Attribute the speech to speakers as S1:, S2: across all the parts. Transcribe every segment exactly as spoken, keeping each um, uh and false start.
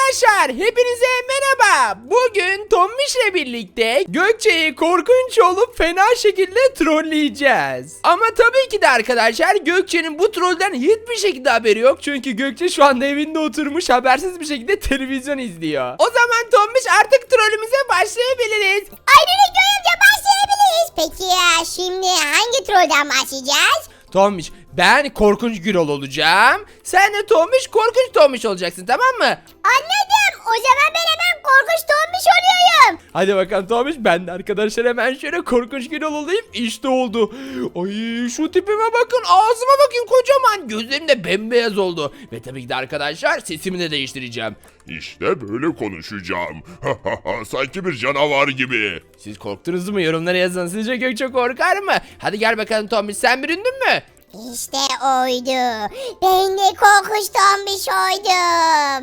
S1: Arkadaşlar hepinize merhaba. Bugün Tombiş'le birlikte Gökçe'yi korkunç olup fena şekilde trolleyeceğiz. Ama tabii ki de arkadaşlar Gökçe'nin bu trollden hiçbir şekilde haberi yok. Çünkü Gökçe şu anda evinde oturmuş habersiz bir şekilde televizyon izliyor. O zaman Tombiş artık trollümüze başlayabiliriz.
S2: Aynen öyle amca başlayabiliriz. Peki ya şimdi hangi trollden başlayacağız?
S1: Tombiş ben korkunç Gürol olacağım. Sen de Tombiş korkunç Tombiş olacaksın, tamam mı?
S2: Anladım. O zaman ben hemen korkunç tombiş oluyorum.
S1: Hadi bakalım Tombiş, ben de arkadaşlar hemen şöyle korkunç Gürol olayım. İşte oldu. Ay şu tipime bakın, ağzıma bakın, kocaman gözlerim de bembeyaz oldu. Ve tabii ki de arkadaşlar sesimi de değiştireceğim.
S3: İşte böyle konuşacağım. Sanki bir canavar gibi.
S1: Siz korktunuz mu? Yorumlara yazın. Sizce Gökçe korkar mı? Hadi gel bakalım Tombiş, sen büründün mü?
S2: İşte oydu. Ben de korkunç tombiş oydum.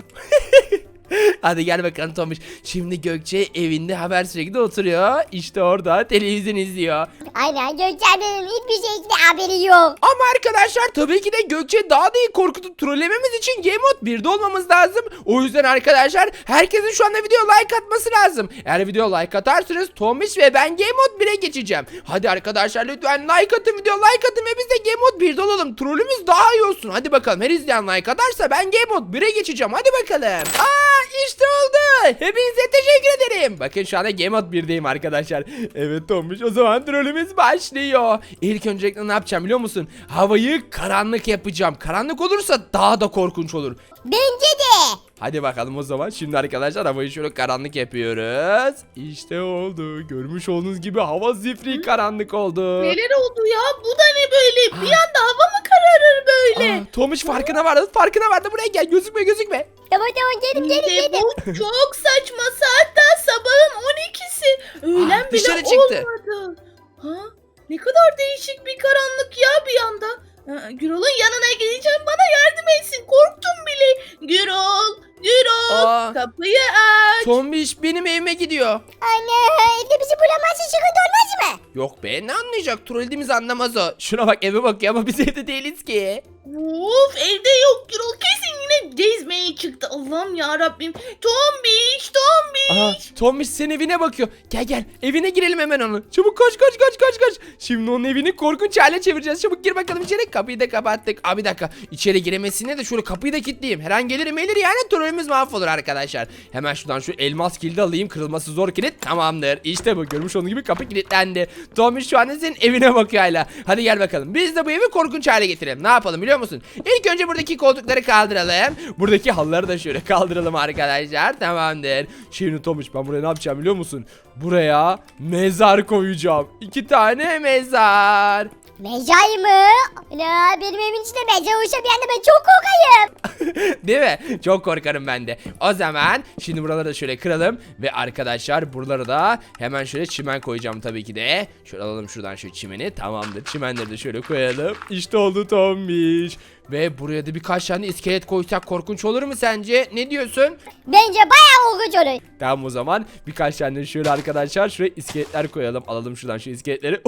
S1: Hadi gel bakalım Tombiş. Şimdi Gökçe evinde haber sürekli oturuyor. İşte orada televizyon izliyor.
S2: Aynen Gökçen'in hiçbir şekilde haberi yok.
S1: Ama arkadaşlar tabii ki de Gökçe daha da iyi korkutup trollememiz için Game Mode birde olmamız lazım. O yüzden arkadaşlar herkesin şu anda video like atması lazım. Eğer video like atarsanız Tombiş ve ben Game Mode bire geçeceğim. Hadi arkadaşlar lütfen like atın, video like atın ve biz de Game Mode birde olalım. Trollümüz daha iyi olsun. Hadi bakalım, her izleyen like atarsa ben Game Mode bire geçeceğim. Hadi bakalım. Aa işte oldu. Hepinize teşekkür ederim. Bakın şu anda Game Mode birdeyim arkadaşlar. Evet Tombiş, o zaman trollümüz başlıyor. İlk öncelikle ne yapacağım biliyor musun? Havayı karanlık yapacağım. Karanlık olursa daha da korkunç olur.
S2: Bence de.
S1: Hadi bakalım o zaman. Şimdi arkadaşlar havayı şöyle karanlık yapıyoruz. İşte oldu. Görmüş olduğunuz gibi hava zifiri karanlık oldu.
S4: Neler oldu ya? Bu da ne böyle? Bir anda hava mı kararır böyle?
S1: Aa, Tomiş farkına vardı. Farkına vardı. Buraya gel. Gözükme gözükme.
S2: Tamam tamam gelin gelin
S4: İşte
S2: gelin.
S4: bu çok saçma. Saat daha sabahın on ikisi. Öğlen
S1: Aa,
S4: bile
S1: dışarı çıktı.
S4: olmadı. Ha? Ne kadar değişik bir karanlık ya bir anda. Aa, Gürol'un yanına gideceğim, bana yardım etsin. Korktum bile. Gürol, Gürol,
S1: Aa.
S4: kapıyı aç.
S1: Tombiş benim evime gidiyor.
S2: Anne evde bizi bulamazsa sıkıntı olmaz mı?
S1: Yok be, ne anlayacak? Trollediğimizi anlamaz o. Şuna bak, eve bakıyor ama biz evde değiliz ki.
S4: Of, evde yok Gürol, kesin yine gezmeye çıktı. Allah'ım ya Rabbim. Tombiş, Tombiş.
S1: Aha, Tombiş senin evine bakıyor. Gel gel, evine girelim hemen onu. Çabuk koş koş koş koş koş. Şimdi onun evini korkunç hale çevireceğiz. Çabuk gir bakalım içeri. Kapıyı da kapattık. Abi bir dakika, içeri giremesine de şöyle kapıyı da kilitleyeyim. Her an gelir gelir yani, trollümüz mahvolur arkadaşlar. Hemen şuradan şu elmas kilidi alayım. Kırılması zor kilit, tamamdır. İşte bu, görmüş olduğunuz gibi kapı kilitlendi. Tombiş şu anda senin evine bakıyor hala. Hadi gel bakalım, biz de bu evi korkunç hale getirelim. Ne yapalım biliyor musun? İlk önce buradaki koltukları kaldıralım. Buradaki halıları da şöyle kaldıralım arkadaşlar. Tamamdır. Şimdi Tombiş, ben buraya ne yapacağım biliyor musun? Buraya mezar koyacağım. İki tane mezar.
S2: Mezar mı? Ana benim evin içinde mezar olsa bir anda ben çok korkayım.
S1: Değil mi? Çok korkarım ben de. O zaman şimdi buraları da şöyle kıralım. Ve arkadaşlar buraları da hemen şöyle çimen koyacağım tabii ki de. Şöyle alalım şuradan şu çimeni. Tamamdır. Çimenleri de şöyle koyalım. İşte oldu Tombiş. Ve buraya da birkaç tane iskelet koysak korkunç olur mu sence? Ne diyorsun?
S2: Bence bayağı korkunç olur.
S1: Tamam o zaman birkaç tane şöyle arkadaşlar şuraya iskeletler koyalım. Alalım şuradan şu iskeletleri.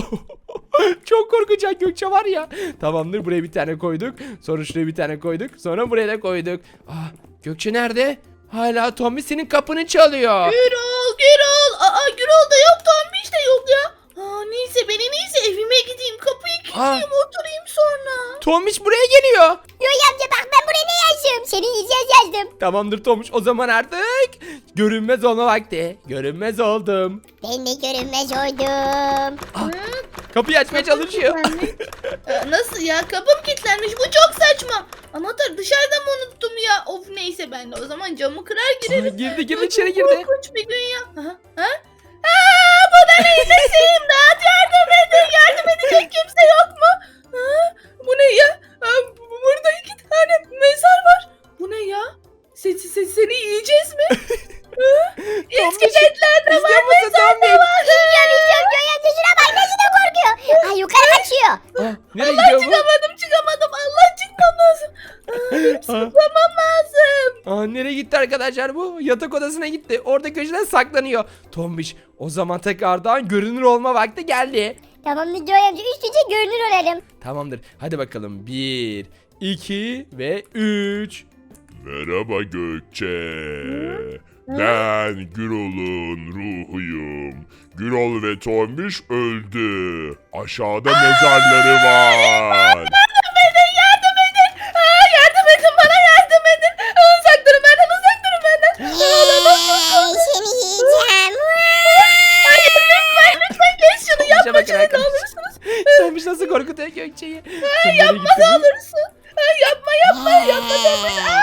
S1: Çok korkacak Gökçe var ya. Tamamdır, buraya bir tane koyduk. Sonra şuraya bir tane koyduk. Sonra buraya da koyduk. Aa, Gökçe nerede? Hala Tommy senin kapını çalıyor.
S4: Gürol, Gürol. Aa, Gürol da yok, Tombiş de yok ya. Aa, neyse ben en iyisi evime gideyim. Kapıyı kilitleyeyim, oturayım sonra.
S1: Tombiş buraya geliyor.
S2: Yoy amca bak ben buraya ne yazdım? Senin yiyeceğiz yazdım.
S1: Tamamdır Tombiş, o zaman artık görünmez olma vakti. Görünmez oldum.
S2: Ben de görünmez oldum.
S1: Ah, kapıyı açmaya çalışıyor.
S4: Aa, nasıl ya? Kapım kilitlenmiş. Bu çok saçma. Anahtarı dışarıda mı unuttum ya? Of neyse, ben de o zaman camı kırar girerim.
S1: Aa, girdi girdi
S4: Ya,
S1: içeri
S4: çok
S1: girdi.
S4: korkunç bir gün ya. Ha? Ha? Aa, bu da neyse imdat, yardım edin. Yardım edecek kimse yok mu? Ha? Bu ne ya? Aa, bu- burada iki tane mezar var. Bu ne ya? Seni, seni, seni yiyeceğiz mi? Ha? İskeletler de var,
S1: İzliyor musun
S4: mezar da
S1: Tombiş?
S4: var.
S2: İzliyorum izliyorum Yoy amca şuna bak nasıl da korkuyor. Ay yukarı kaçıyor.
S1: Aa, nereye
S4: Allah,
S1: gidiyor bu?
S4: çıkamadım çıkamadım. Allah, çıkmam lazım. Aa, benim zıplamam lazım.
S1: Aa, nereye gitti arkadaşlar bu? Yatak odasına gitti. Orada köşeden saklanıyor. Tombiş, o zaman tekrardan görünür olma vakti geldi.
S2: Tamam Yoy amca üst üste görünür olalım.
S1: Tamamdır. Hadi bakalım. Bir, iki ve üç.
S3: Merhaba Gökçe. Ben Gürol'un ruhuyum. Gürol ve Tombiş öldü. Aşağıda mezarları var.
S4: Yardım edin, yardım edin. Aa, yardım edin, bana yardım edin. Uzak durun benden, uzak durun benden.
S2: Hey, seni yiyeceğim.
S4: Hayır, lütfen, lütfen geç şunu
S1: Tombiş'e
S4: yapma
S1: bakın
S4: şunu ne
S1: arkadaşlar.
S4: olursunuz.
S1: Tombiş nasıl korkutuyor Gökçe'yi.
S4: Yapma ne olursun. Aa, yapma, yapma, yapma, yapma.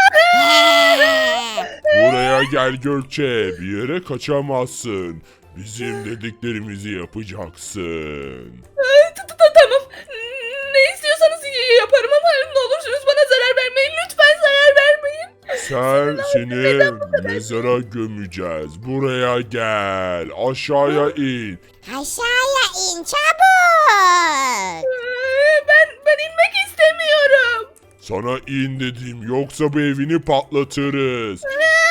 S3: Buraya gel Gökçe. Bir yere kaçamazsın. Bizim dediklerimizi yapacaksın.
S4: Aa, t- t- Tamam. Ne istiyorsanız y- yaparım ama ne olursunuz bana zarar vermeyin. Lütfen zarar vermeyin.
S3: Sen seni mezara gömeceğiz. Buraya gel. Aşağıya in.
S2: Aşağıya in çabuk.
S4: Aa, Ben ben inmek istemiyorum.
S3: Sana in dedim. Yoksa bu evini patlatırız.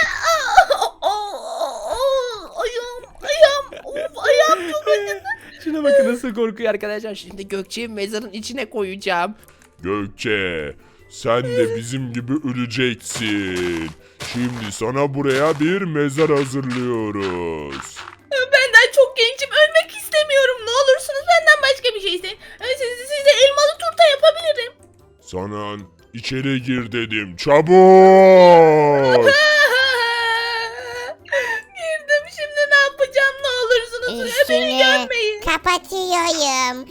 S4: Ayağım, ayağım, of, ayağım çok acıdı.
S1: Şuna bakın nasıl korkuyor arkadaşlar. Şimdi Gökçe'yi mezarın içine koyacağım.
S3: Gökçe, sen de bizim gibi öleceksin. Şimdi sana buraya bir mezar hazırlıyoruz.
S4: Ben daha çok gençim, ölmek istemiyorum. Ne olursunuz benden başka bir şey isteyin. Siz, size elmalı turta yapabilirim.
S3: Sana içeri gir dedim. Çabuk!
S4: Girdim, şimdi ne yapacağım, ne olursunuz beni
S2: Üstünü
S4: görmeyin.
S2: kapatıyorum.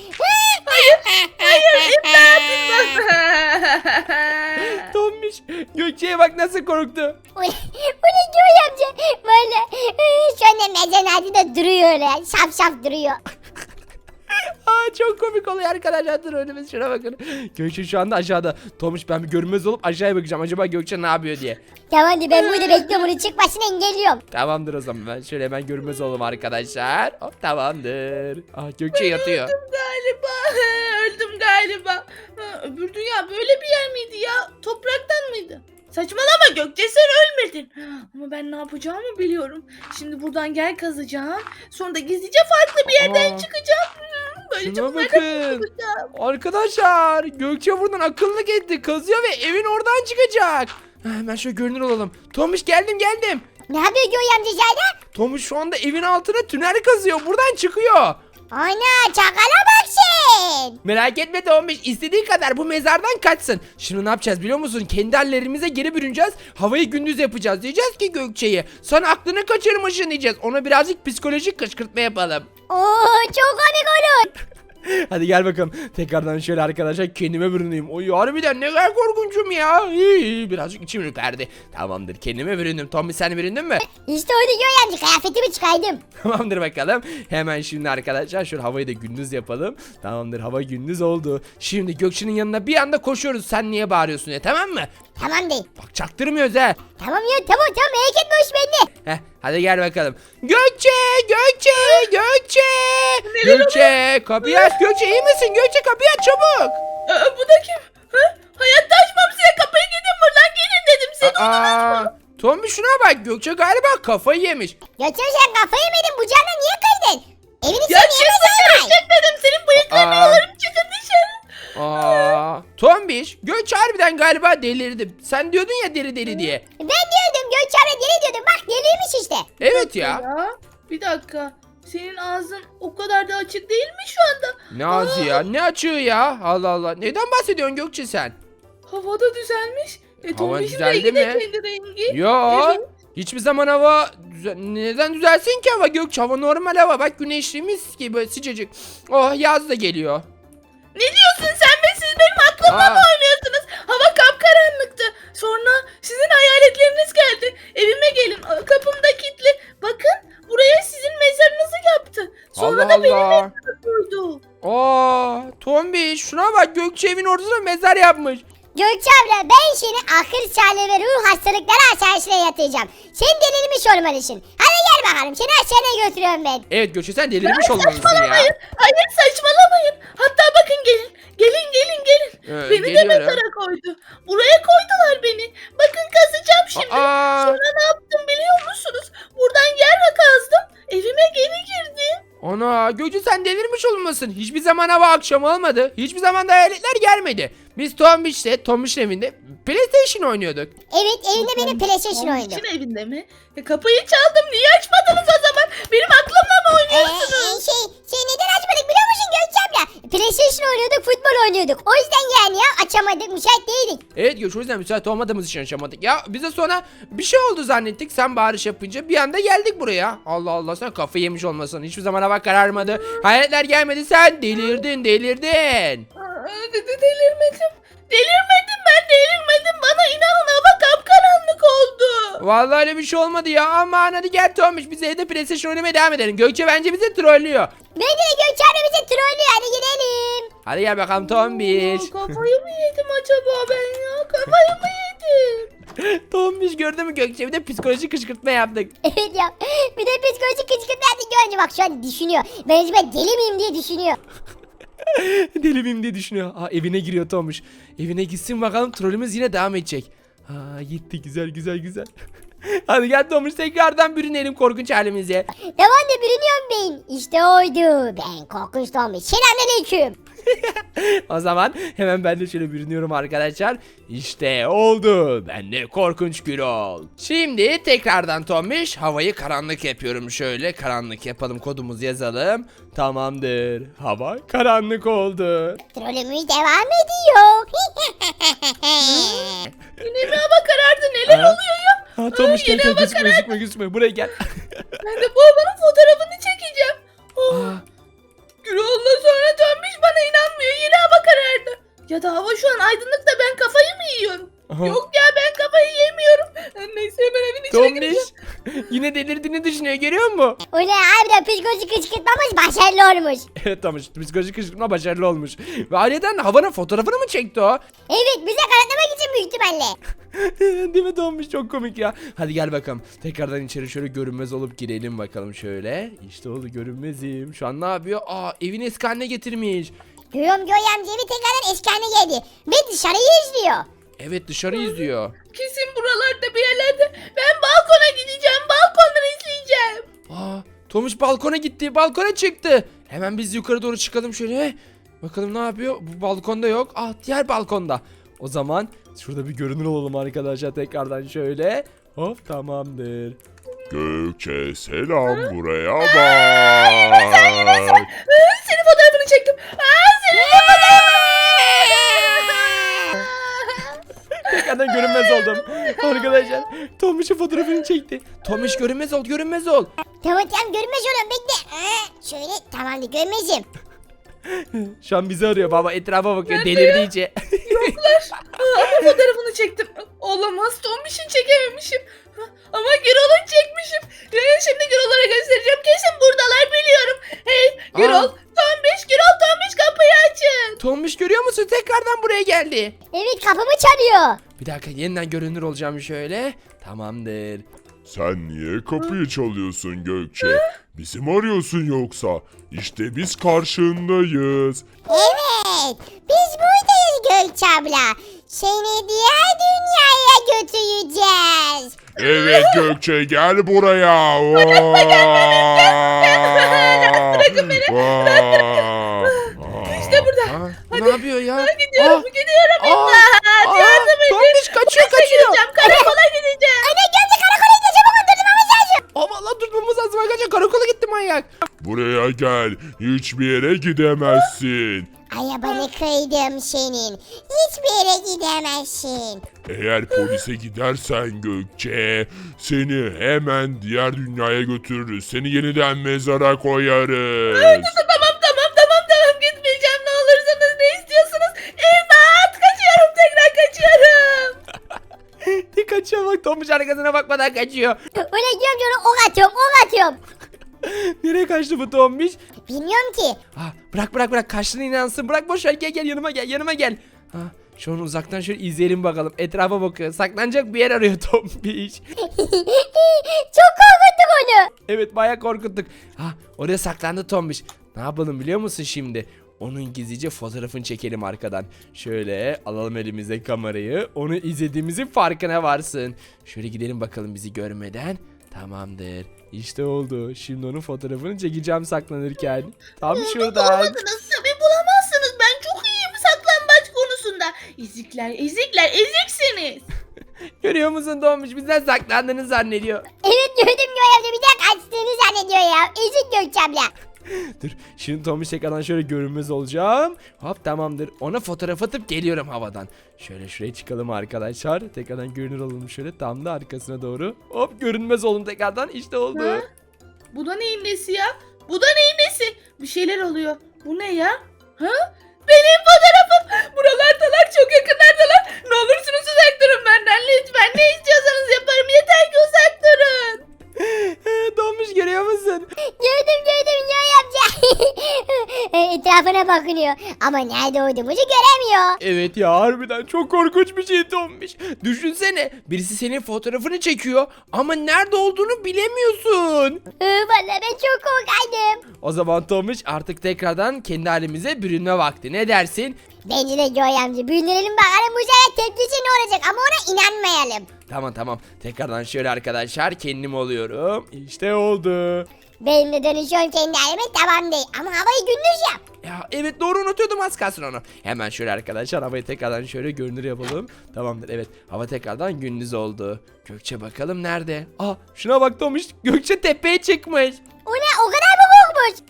S1: Tombiş Gökçe'ye bak nasıl korktu.
S2: Bu ne, bu ne Göğe amca? Böyle şu anda mezarın altında duruyor öyle. Şap şap duruyor.
S1: Aa, çok komik oluyor arkadaşlar. Dur önümüz şuna bakın. Gökçe şu anda aşağıda. Tomuş ben bir görünmez olup aşağıya bakacağım. Acaba Gökçe ne yapıyor diye.
S2: Tamamdır, ben burada bekliyorum, onu çıkmasını engelliyorum.
S1: Tamamdır o zaman. Ben şöyle hemen görünmez olalım arkadaşlar. Hop tamamdır. Ah Gökçe yatıyor.
S4: Galiba öldüm galiba. Ha, öbür dünya böyle bir yer miydi ya? Topraktan mıydı? Saçmalama Gökçe, sen ölmedin. Ama ben ne yapacağımı biliyorum. Şimdi buradan yer kazacağım. Sonra da gizlice farklı bir yerden
S1: Aa.
S4: çıkacağım. Hmm, Böylece
S1: Şuna
S4: bunlardan
S1: bakın.
S4: kurtulacağım.
S1: Arkadaşlar Gökçe buradan akıllık etti. Kazıyor ve evin oradan çıkacak. Ha, hemen şöyle görünür olalım. Tomuş geldim geldim.
S2: Ne yapıyor Göğe amca içeride?
S1: Tomuş şu anda evin altına tünel kazıyor. Buradan çıkıyor.
S2: Ana, çakala bak sen.
S1: Merak etme Tomuş. İstediği kadar bu mezardan kaçsın. Şimdi ne yapacağız biliyor musun? Kendi hallerimize geri bürüneceğiz. Havayı gündüz yapacağız. Diyeceğiz ki Gökçe'ye. Sen aklını kaçırmışsın diyeceğiz. Ona birazcık psikolojik kışkırtma yapalım.
S2: Oo, çok komik olur.
S1: Hadi gel bakalım. Tekrardan şöyle arkadaşlar kendime bürüneyim. Oy harbiden ne kadar korkunçum ya. İyi, iyi, birazcık içim ürperdi. Tamamdır kendime büründüm. Tommy sen büründün mü?
S2: İşte oydu Göğe amca, kıyafetimi çıkardım.
S1: Tamamdır bakalım. Hemen şimdi arkadaşlar şöyle havayı da gündüz yapalım. Tamamdır hava gündüz oldu. Şimdi Gökçe'nin yanına bir anda koşuyoruz. Sen niye bağırıyorsun ya tamam mı?
S2: Tamam değil.
S1: Bak çaktırmıyoruz ha.
S2: Tamam ya, tamam tamam, merak etme, hoş bende.
S1: Heh, hadi gel bakalım. Gökçe, Gökçe, Gökçe. Gökçe, kapıyı aç. Gökçe iyi misin? Gökçe kapıyı aç çabuk.
S4: Aa, bu da kim? Ha? Hayatta açmam, size kapıyı, gidin buradan, gelin dedim. Seni
S1: Aa, Tommy şuna bak. Gökçe galiba kafayı yemiş.
S2: Gökçe sen kafayı yemedin, bu canla niye kırdın? Evin
S4: ya
S2: içine niye
S4: çık dışarı,
S2: mezar var?
S4: çık dedim. Senin bıyıklarını
S1: Aa.
S4: yolarım, çıkın dışarı.
S1: Aa, Tombiş, Gökçe harbiden galiba delirdi. Sen diyordun ya deli deli diye.
S2: Ben diyordum, Gökçe abla deli diyordum, bak deliymiş işte.
S1: Evet ya.
S4: Ya bir dakika. Senin ağzın o kadar da açık değil mi şu anda?
S1: Ne ağzı ya? Ne açığı ya? Allah Allah. Neden bahsediyorsun Gökçe sen?
S4: Havada düzelmiş. E,
S1: Hava
S4: Tombiş'in
S1: düzeldi
S4: rengi de
S1: mi?
S4: kendi rengi.
S1: Yo.
S4: Evet.
S1: Hiçbir zaman hava düze- neden düzelsin ki hava Gökçe? Hava normal hava. Bak güneşli mis gibi sıcacık. Oh yaz da geliyor.
S4: Ne diyorsun sen be, siz benim aklımla
S1: Aa.
S4: mı oynuyorsunuz? Hava kapkaranlıktı. Sonra sizin hayaletleriniz geldi. Evime gelin, kapım da kilitli. Bakın buraya sizin mezarınızı yaptı. Sonra
S1: Allah
S4: da benim
S1: Allah.
S4: mezarımı koydu.
S1: Aa, Tombiş şuna bak Gökçe evin ortasına mezar yapmış.
S2: Gökçe abla, ben seni akıl sağlığı ve ruh hastalıkları hastanesine yatıracağım. Sen delirmiş olmalısın. Hadi gel bakalım, seni hastaneye götürüyorum ben.
S1: Evet Gökçe sen delirmiş olmalısın
S4: Saçmalamayın.
S1: ya.
S4: Hayır saçmalamayın. Hatta bakın gelin. Gelin gelin gelin.
S1: Ee,
S4: beni de
S1: geliyorum.
S4: mezara koydu. Buraya koydular beni. Bakın kazacağım şimdi.
S1: Aa.
S4: Sonra ne yaptım biliyor musunuz? Buradan yer kazdım. Evime geri girdim.
S1: Ana Gökçe sen delirmiş olmasın. Hiçbir zaman hava akşam olmadı. Hiçbir zaman da hayaletler gelmedi. Biz Tombiş'le Tombiş'in evinde PlayStation oynuyorduk.
S2: Evet evinde benim PlayStation oyunu.
S4: Tombiş'in evinde mi? E, kapıyı çaldım. Niye açmadınız o zaman? Benim aklımla mı
S2: Ee,
S4: oynuyorsunuz?
S2: şey, şey neden açmadık biliyor musun Gökçe abla? PlayStation oynuyorduk, futbol oynuyorduk. O yüzden yani ya açamadık, müsait değildik.
S1: Evet Gökçe o yüzden müsait olmadığımız için yaşamadık. Ya bize sonra bir şey oldu zannettik. Sen bağırış yapınca bir anda geldik buraya. Allah Allah sen kafayı yemiş olmasın. Hiçbir zaman hava kararmadı. Hayaletler gelmedi sen delirdin delirdin.
S4: Aa, de- de- delirmedim. Delirmedim ben delirmedim. Bana inanın hava kapkaranlık oldu.
S1: Vallahi öyle bir şey olmadı ya. Aman hadi gel Tomiş biz evde PlayStation oynamaya devam edelim. Gökçe bence bizi trollüyor.
S2: Bence de Gökçe abla bizi trollüyor, hadi gidelim.
S1: Hadi gel bakalım Tombiş.
S4: Aa, kafayı mı yedim acaba ben ya? Kafayı mı yedim?
S1: Tombiş gördün mü Gökçe bir de psikolojik kışkırtma yaptık.
S2: Evet ya, bir de psikolojik kışkırtma görünce bak şu an düşünüyor. Ben acaba deli miyim diye düşünüyor.
S1: Deli miyim diye düşünüyor. Aa, evine giriyor Tomuş. Evine gitsin bakalım trollümüz yine devam edecek. Aa, gitti güzel güzel güzel. Hadi gel Tomuş tekrardan bürünelim korkunç halimize.
S2: Devam da bürünüyorum ben. İşte oydu. Ben korkunç Tombiş. Selamünaleyküm.
S1: O zaman hemen ben de şöyle bürünüyorum arkadaşlar. İşte oldu. Ben de korkunç Gürol. Şimdi tekrardan Tomuş havayı karanlık yapıyorum. Şöyle karanlık yapalım kodumuzu yazalım. Tamamdır. Hava karanlık oldu.
S2: Trollümüz devam ediyor.
S4: Yine mi hava karardı? Neler
S1: Ha?
S4: oluyor ya?
S1: Ha Tomuş gel
S4: yine
S1: gel
S4: hava
S1: gözükme
S4: karardı.
S1: gözükme gözükme buraya gel.
S4: Ben de bu havanın fotoğrafını çekeceğim. Oh,
S1: Aa,
S4: Gürol'la sonra dönmüş bana inanmıyor. Yine hava karardı. Ya da hava şu an aydınlık da ben kafayı mı yiyorum?
S1: Aha.
S4: Yok ya ben kafayı yemiyorum. Neyse hemen evin içine
S1: Tomuş
S4: gireceğim.
S1: yine delirdiğini düşünüyor görüyor musun?
S2: O ne harbiden psikolojik kışkırtmamız başarılı olmuş.
S1: Evet Tomuş psikolojik kışkırtma başarılı olmuş. Ve aileden havanın fotoğrafını mı çekti o?
S2: Evet bize kanıtlamak için büyük ihtimalle.
S1: Değil mi Tomuş çok komik ya. Hadi gel bakalım. Tekrardan içeri şöyle görünmez olup girelim bakalım şöyle. İşte oldu görünmezim. Şu an ne yapıyor? Aa evini eski haline getirmiş.
S2: Görüyorum Göğe amca evi tekrardan eski haline geldi. Ve dışarıyı izliyor.
S1: Evet dışarı izliyor.
S4: Kesin buralarda bir yerlerde. Ben balkona gideceğim. Balkondan izleyeceğim.
S1: Aa Tomuş balkona gitti. Balkona çıktı. Hemen biz yukarı doğru çıkalım şöyle. Bakalım ne yapıyor? Bu balkonda yok. Ah diğer balkonda. O zaman şurada bir görünür olalım arkadaşlar tekrardan şöyle. Hop tamamdır.
S3: Gökçe selam buraya bak.
S4: Aa, senin fotoğrafını çektim. Aa, senin
S1: Tekrardan görünmez oldum. Arkadaşlar Tomuş'un fotoğrafını çekti. Tomuş görünmez ol görünmez ol.
S2: Tamam tamam görünmez oğlum bekle. Aa, şöyle tamamdır görünmezim.
S1: Şu an bizi arıyor baba etrafa bakıyor delirdi iyice.
S4: Yoklar. Aa, ama fotoğrafını çektim. Olamaz. Tombiş'in çekememişim. Ha, ama Gürol'un çekmişim. Ee, şimdi Gürol'lara göstereceğim. Kesin buradalar biliyorum. Hey Gürol,
S1: Aa.
S4: Tombiş, Gürol, Tombiş kapıyı açın.
S1: Tomuş görüyor musun tekrardan buraya geldi.
S2: Evet kapımı çalıyor.
S1: Bir dakika yeniden görünür olacağım şöyle. Tamamdır.
S3: Sen niye kapıyı çalıyorsun Gökçe? Bizi mi arıyorsun yoksa? İşte biz karşındayız.
S2: Evet biz buradayız Gökçe abla. Seni diğer dünyaya götüreceğiz.
S3: Evet Gökçe gel buraya. Bırakın beni.
S4: İşte burada.
S1: Aa, ne yapıyor ya?
S4: Gidiyorum,
S1: Aa,
S4: gidiyorum.
S1: aa,
S4: İmdat,
S1: aa,
S4: yardım edin.
S1: Tombiş kaçıyor kaçıyor.
S4: Gideceğim, karakola gideceğim.
S2: Anne Gökçe karakola gideceğim çabuk durdurmamız lazım.
S1: Aman lan tutmamız lazım arkadaşlar karakola gitti manyak.
S3: Buraya gel. Hiçbir yere gidemezsin.
S2: Arabanı kıydım senin. Hiçbir yere gidemezsin.
S3: Eğer polise gidersen Gökçe, seni hemen diğer dünyaya götürürüz. Seni yeniden mezara koyarız.
S4: Tamam, tamam, tamam, tamam. Gitmeyeceğim. Ne olursanız ne istiyorsunuz? İmdat, kaçıyorum, tekrar kaçıyorum.
S1: Tek kaçıyor bak Tombiş arkasına bakmadan kaçıyor.
S2: Öyle gidiyorum sonra ok atıyorum ok atıyorum.
S1: Nereye kaçtı bu Tombiş?
S2: Bilmiyorum ki.
S1: Ah, bırak bırak bırak kaçtığına inansın. Bırak boş ver gel gel yanıma gel yanıma gel. Ha, şu an uzaktan şöyle izleyelim bakalım. Etrafa bakıyor. Saklanacak bir yer arıyor Tombiş.
S2: Çok korkuttuk onu.
S1: Evet bayağı korkuttuk. Ha, oraya saklandı Tombiş. Ne yapalım biliyor musun şimdi? Onun gizlice fotoğrafını çekelim arkadan. Şöyle alalım elimize kamerayı. Onu izlediğimizin farkına varsın. Şöyle gidelim bakalım bizi görmeden. Tamamdır. İşte oldu. Şimdi onun fotoğrafını çekeceğim saklanırken. Tam
S4: Burada
S1: şuradan.
S4: bulamadınız tabii bulamazsınız. Ben çok iyiyim saklambaç konusunda. Ezikler ezikler eziksiniz.
S1: Görüyor musun Tombiş? Bizden saklandığını zannediyor.
S2: Evet gördüm Göğe amca bir de kaçtığını zannediyor ya. Ezik Gökçe abla.
S1: Dur. Şimdi Tombiş tekrardan şöyle görünmez olacağım. Hop tamamdır. Ona fotoğraf atıp geliyorum havadan. Şöyle şuraya çıkalım arkadaşlar. Tekrardan görünür olalım şöyle. Tam da arkasına doğru. Hop görünmez oldum tekrardan. İşte oldu.
S4: Ha? Bu da neyin nesi ya? Bu da neyin nesi? Bir şeyler oluyor. Bu ne ya? Ha? Benim fotoğrafım. Buralardalar çok yakınlardalar. Ne olursunuz uzak durun benden lütfen. Ne istiyorsanız yaparım. Yeter ki uzak durun.
S1: Tombiş görüyor musun?
S2: Gördüm gördüm Göğe amca. Etrafına bakınıyor. Ama nerede olduğumuzu göremiyor.
S1: Evet ya harbiden çok korkunç bir şey Tombiş. Düşünsene birisi senin fotoğrafını çekiyor ama nerede olduğunu bilemiyorsun.
S2: Ee, Vallahi ben çok korkaydım.
S1: O zaman Tombiş artık tekrardan kendi halimize bürünme vakti. Ne dersin?
S2: Bence de Göğe amca büyülerim bakalım bu sefer tepkisi ne olacak ama ona inanmayalım.
S1: Tamam tamam. Tekrardan şöyle arkadaşlar kendim oluyorum. İşte oldu.
S2: Benim de dönüşüyorum kendi halime tamam değil. Ama havayı gündüz yap.
S1: Ya evet doğru unutuyordum az kalsın onu. Hemen şöyle arkadaşlar havayı tekrardan şöyle görünür yapalım. Tamamdır evet hava tekrardan gündüz oldu. Gökçe bakalım nerede? Aa şuna bak Tomuş Gökçe tepeye çıkmış.
S2: O ne o kadar mı korkmuş?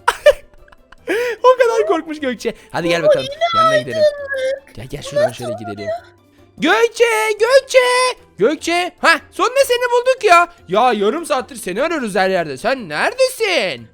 S1: O kadar korkmuş Gökçe. Hadi gel bakalım yanına gidelim. Gel gel şuradan şöyle gidelim. Gökçe Gökçe Gökçe ha sonunda seni bulduk ya. Ya yarım saattir seni arıyoruz her yerde. Sen neredesin?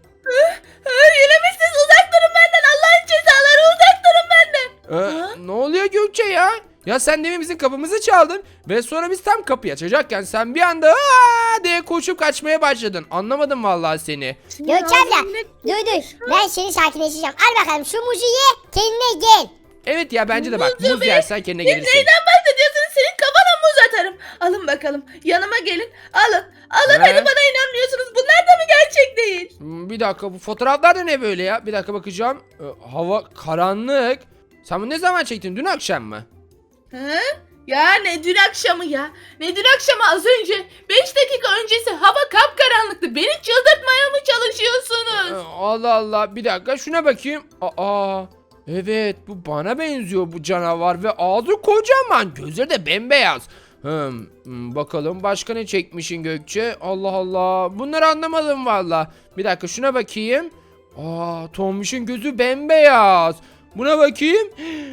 S4: Yine mi siz uzak durun benden. Allah'ın cezaları uzak durun benden.
S1: Ee,
S4: Ha?
S1: ne oluyor Gökçe ya? Ya sen demin bizim kapımızı çaldın ve sonra biz tam kapıyı açacakken sen bir anda aa diye koşup kaçmaya başladın. Anlamadım vallahi seni.
S2: Gökçe abla dur dur ben seni sakinleştireceğim. Al bakalım şu muzu ye kendine gel.
S1: Evet ya bence de bak
S4: Muzu
S1: muz
S4: be.
S1: yersen kendine
S4: Siz
S1: gelirsin.
S4: neyden bahsediyorsunuz? Senin kafana muz atarım. Alın bakalım. Yanıma gelin. Alın. Alın
S1: He?
S4: hadi bana inanmıyorsunuz. Bunlar da mı gerçek değil?
S1: Hmm, Bir dakika bu fotoğraflar da ne böyle ya? Bir dakika bakacağım. Ee, hava karanlık. Sen bunu ne zaman çektin? Dün akşam mı?
S4: Hı? Ya ne dün akşamı ya. Ne dün akşamı az önce. Beş dakika öncesi hava kapkaranlıktı. Beni çıldırtmaya mı
S1: Ee,
S4: çalışıyorsunuz?
S1: Allah Allah bir dakika şuna bakayım. Aa evet bu bana benziyor bu canavar ve ağzı kocaman gözleri de bembeyaz. Hmm, hmm, bakalım başka ne çekmişin Gökçe? Allah Allah bunları anlamadım valla. Bir dakika şuna bakayım. Aa Tombiş'in gözü bembeyaz. Buna bakayım.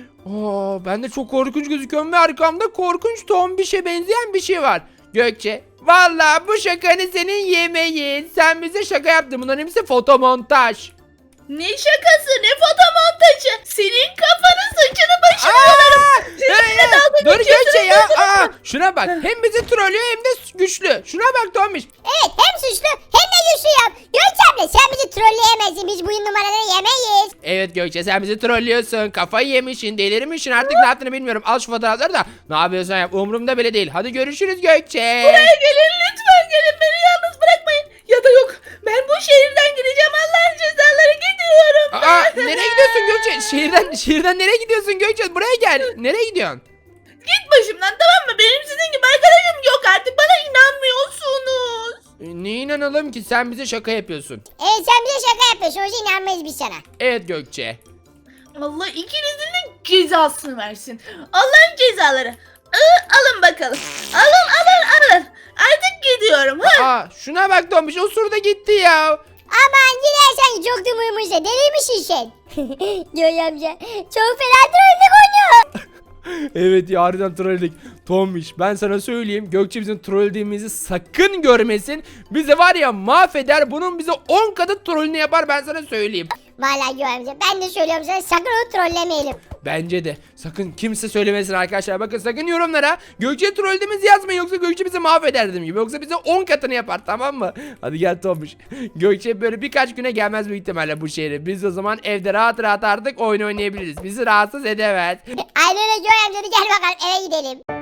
S1: Aa ben de çok korkunç gözüküyorum ve arkamda korkunç Tombiş'e benzeyen bir şey var. Gökçe valla bu şakanı senin yemeğin. Sen bize şaka yaptın bunların hepsi fotomontaj.
S4: Ne şakası ne fotomontajı. Senin kafanı saçını başını yolarım. Seninle
S1: Ee,
S4: dalga
S1: Dur
S4: geçiyorsunuz,
S1: Gökçe ya.
S4: duydunuz
S1: Aa,
S4: mu?
S1: şuna bak. Hem bizi trollüyor hem de güçlü. Şuna bak Tombiş.
S2: Evet hem suçlu hem de güçlü yap. Gökçe abla sen bizi trolleyemezsin biz bu numaraları yemeyiz.
S1: Evet Gökçe sen bizi trollüyorsun. Kafayı yemişsin, delirmişsin. Artık ne yaptığını bilmiyorum. Al şu fotoğrafları da. Ne yapıyorsan yap. Umurumda bile değil. Hadi görüşürüz Gökçe.
S4: Buraya gelin lütfen gelin beni yalnız bırakmayın. Ya da yok ben bu şehirden gideceğim Allah'ın cezaları gidiyorum.
S1: Aa, nereye gidiyorsun Gökçe? Şehirden şehirden nereye gidiyorsun Gökçe? Buraya gel. Nereye gidiyorsun?
S4: Git başımdan tamam mı? Benim sizin gibi arkadaşım yok artık bana inanmıyorsunuz.
S1: E, ne inanalım ki sen bize şaka yapıyorsun.
S2: Evet sen bize şaka yapıyorsun o yüzden inanmayız biz sana.
S1: Evet Gökçe.
S4: Allah ikinizin de cezasını versin. Allah'ın cezaları. Iı, alın bakalım. Alın alın alın. Artık gidiyorum. Ha?
S1: Aa, şuna bak Tombiş. O surda gitti ya.
S2: Aman gidersen çok da muymuş da deliymişsin sen. Göğe amca çok fena trollük oynuyor.
S1: Evet ya harbiden trolledik. Tombiş ben sana söyleyeyim Gökçe bizim trollediğimizi sakın görmesin. Bize var ya mahveder bunun bize on katı trollünü yapar ben sana söyleyeyim.
S2: Vallahi Göğe amca ben de söylüyorum sana sakın onu trollemeyelim.
S1: Bence de sakın kimse söylemesin arkadaşlar. Bakın sakın yorumlara Gökçe trollediğimizi yazmayın yoksa Gökçe bizi mahveder dediğim gibi. Yoksa bize on katını yapar tamam mı? Hadi gel Tombiş. Gökçe böyle birkaç güne gelmez büyük ihtimalle bu şehre. Biz o zaman evde rahat rahat artık oyun oynayabiliriz. Bizi rahatsız edemez.
S2: Aynen öyle Göğe amca hadi gel bakalım eve gidelim.